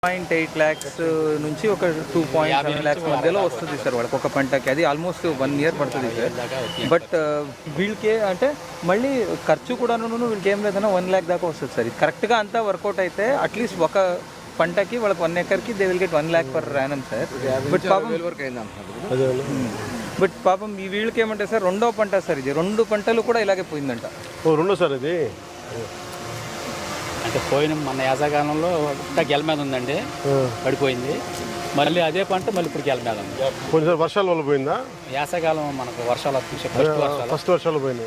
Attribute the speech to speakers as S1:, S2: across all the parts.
S1: 0.8 lakhs నుంచి ఒక 2.7 lakhs మధ్యలో వస్తుంది సార్ వాళ్ళకి ఒక పంటకి. అది ఆల్మోస్ట్ 1 year పడుతుంది సార్. బట్ వీళ్ళకి అంటే మళ్ళీ ఖర్చు కూడాను వీళ్ళకి ఏం లేదన్నా 1 lakh దాకా వస్తుంది సార్. ఇది కరెక్ట్గా అంతా వర్కౌట్ అయితే అట్లీస్ట్ ఒక పంటకి వాళ్ళకి 1 acreకి they will get 1 lakh per annum సార్. బట్ పాపం ఈ వీళ్ళకి ఏమంటే సార్ రెండో పంట సార్, ఇది 2 పంటలు కూడా ఇలాగే పోయిందంట.
S2: రెండో సార్ ఇది
S3: అంటే పోయిన మన యాసకాలంలో గెల మీద ఉందండి, పడిపోయింది. మళ్ళీ అదే పంట మళ్ళీ ఇప్పుడు గెల మీద ఉంది.
S2: కొంచెం వర్షాల వల్ల పోయిందా?
S3: యాసకాలం మనకు వర్షాలు వస్తుంది,
S2: ఫస్ట్ వర్షాలు పోయినాయి.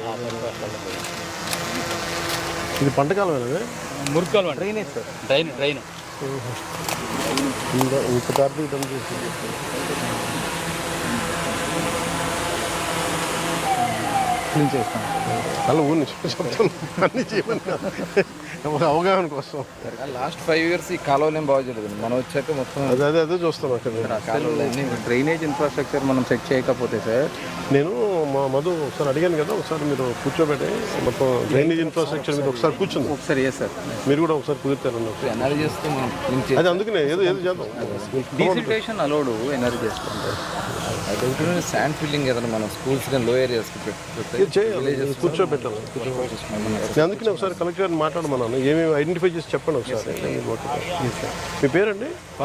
S2: ఇది పంటకాలం
S3: మురుకాలు
S1: డ్రైనేజ్ సార్,
S3: డ్రైన్
S2: ఇంత కార్తీక పని చేసి
S1: క్లీన్ చేస్తాం.
S2: అలా ఊరిని చెప్తాను అన్నీ చేయమని అవగాహన కోసం.
S4: లాస్ట్ 5 years ఈ కాలువలు ఏం బాగా చేయలేదు, మనం వచ్చాక మొత్తం
S2: అదే చూస్తాం అక్కడ.
S1: డ్రైనేజ్ ఇన్ఫ్రాస్ట్రక్చర్ మనం సెట్ చేయకపోతే సార్,
S2: నేను మా మధు ఒకసారి అడిగాను కదా, ఒకసారి మీరు కూర్చోబెట్టి మొత్తం డ్రైనేజ్ ఇన్ఫ్రాస్ట్రక్చర్ మీద ఒకసారి కూర్చుంది.
S1: ఒకసారి ఏ సార్
S2: మీరు కూడా ఒకసారి కుదురుతారు
S4: ఎన్ఆర్జీ చేస్తే
S2: అది అందుకనే ఏదో చేద్దాం.
S1: డీసిల్టేషన్ అలౌడ్ ఎనర్జీ చేసుకుంటారు.
S4: శాండ్ ఫిల్లింగ్ ఏదైనా మనం స్కూల్స్ కానీ లో ఏరియాస్
S2: కూర్చోబెట్టాలి. నేను అందుకనే ఒకసారి కలెక్టర్ గారిని మాట్లాడమన్నాను, ఏమేమి ఐడెంటిఫై చేసి చెప్పండి ఒకసారి. మీ పేరండి?